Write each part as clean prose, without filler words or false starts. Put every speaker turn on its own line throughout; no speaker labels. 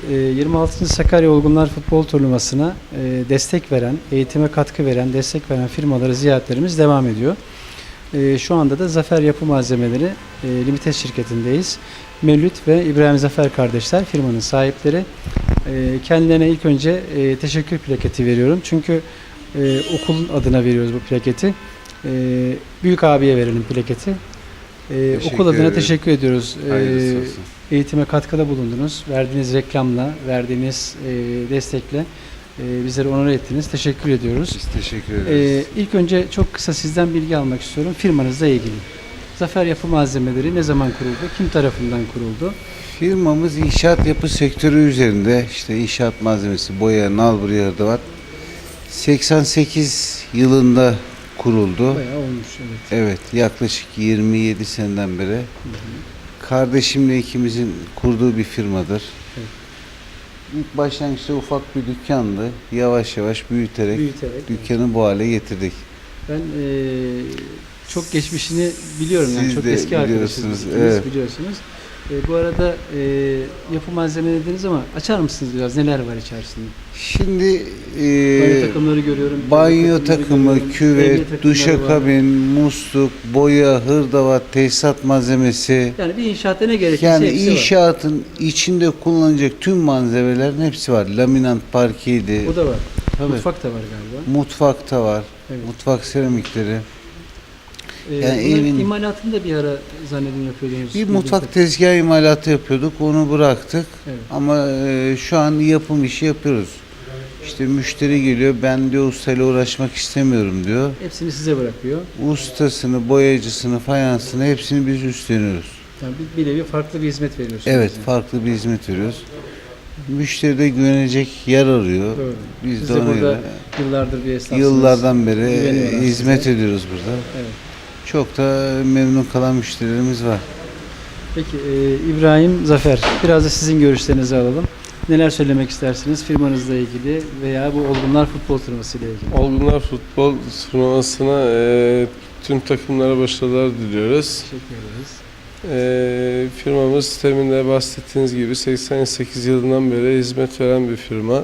26. Sakarya Olgunlar Futbol Turnuvası'na destek veren, eğitime katkı veren, destek veren firmaları ziyaretlerimiz devam ediyor. Şu anda da Zafer Yapı Malzemeleri Limited şirketindeyiz. Mevlüt ve İbrahim Zafer kardeşler firmanın sahipleri. Kendilerine ilk önce teşekkür plaketi veriyorum. Çünkü okul adına veriyoruz bu plaketi. Büyük abiye verelim plaketi. Okul adına teşekkür ediyoruz. Eğitime katkıda bulundunuz. Verdiğiniz reklamla, verdiğiniz destekle bizleri onur ettiniz. Teşekkür ediyoruz.
Biz teşekkür ederiz.
İlk önce çok kısa sizden bilgi almak istiyorum. Firmanızla ilgili. Zafer Yapı Malzemeleri ne zaman kuruldu? Kim tarafından kuruldu?
Firmamız inşaat yapı sektörü üzerinde, işte inşaat malzemesi, boya, nalbur, hırdavat 88 yılında kuruldu.
Bayağı olmuş, evet.
Evet, yaklaşık 27 seneden beri. Kardeşimle ikimizin kurduğu bir firmadır.
Evet.
İlk başlangıçta ufak bir dükkandı. Yavaş yavaş büyüterek dükkanı bu hale getirdik.
Ben çok geçmişini biliyorum. Yani
Siz
çok
de
eski arkadaşınız.
evet.
Biliyorsunuz. Bu arada yapı malzemeleri dediniz ama açar mısınız biraz? Neler var içerisinde?
Şimdi
Banyo takımları görüyorum.
banyo takımı, küvet, duşakabin, musluk, boya, hırdavat, tesisat malzemesi.
Yani bir inşaatta ne gerekirse
Yani
hepsi var.
inşaatın içinde kullanılacak tüm malzemelerin hepsi var. Laminant parkeydi.
O da var.
Tabii.
Mutfak da var galiba.
Mutfakta var.
Evet.
Mutfak seramikleri. Yani
Bunların
evin
imalatını da bir ara zannedin yapıyordunuz.
bir mutfak tezgahı imalatı yapıyorduk. Onu bıraktık.
Evet.
Ama şu an yapım işi yapıyoruz. İşte müşteri geliyor. Ben diyor ustayla uğraşmak istemiyorum diyor.
Hepsini size bırakıyor.
Ustasını, boyacısını, fayansını hepsini biz üstleniyoruz.
Yani bir nevi farklı bir hizmet veriyorsunuz.
Evet,
bize.
farklı bir hizmet veriyoruz. Müşteri de güvenecek yer arıyor.
Doğru.
Biz
Siz
de
de
ona
burada
göre
yıllardır bir esnafsınız.
yıllardan beri
Güveniyorlar
hizmet
size.
ediyoruz burada.
Evet.
Çok da memnun kalan müşterilerimiz var.
Peki İbrahim Zafer, biraz da sizin görüşlerinizi alalım. Neler söylemek istersiniz firmanızla ilgili veya bu Olgunlar Futbol Turnuvası ile ilgili?
Olgunlar Futbol Turnuvası'na tüm takımlara başarılar diliyoruz.
Teşekkür ederiz.
Firmamız temin de bahsettiğiniz gibi 88 yılından beri hizmet veren bir firma.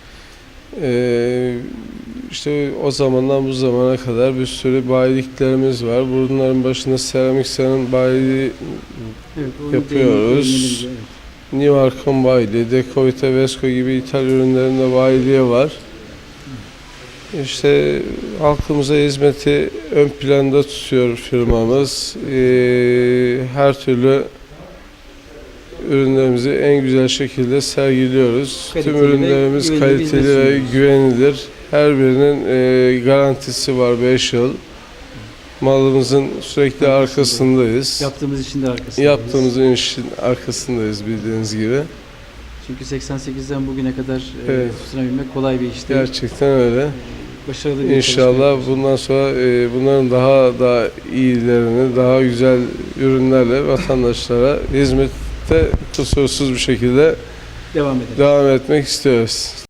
Evet.
İşte o zamandan bu zamana kadar bir sürü bayiliklerimiz var. Bunların başında Seramik San'ın bayiliği
Evet, onu
yapıyoruz.
değinelim, evet.
New Arcon bayiliği, Decovite, Vesco gibi ithal ürünlerin de bayiliği var. İşte halkımıza hizmeti ön planda tutuyor firmamız. Her türlü ürünlerimizi en güzel şekilde sergiliyoruz.
Kaliteli
Tüm ürünlerimiz
ve
kaliteli ve
sunuyoruz.
güvenilir. Her birinin garantisi var 5 yıl. Malımızın sürekli arkasındayız.
Yaptığımız işin de arkasındayız.
Yaptığımız işin arkasındayız bildiğiniz gibi.
Çünkü 88'den bugüne kadar
Evet.
tutunabilmek kolay bir iş değil.
Gerçekten öyle.
Başarılı bir
İnşallah
çalışma
bundan sonra bunların daha da iyilerini, daha güzel ürünlerle vatandaşlara hizmette kusursuz bir şekilde
devam edelim.
devam etmek istiyoruz.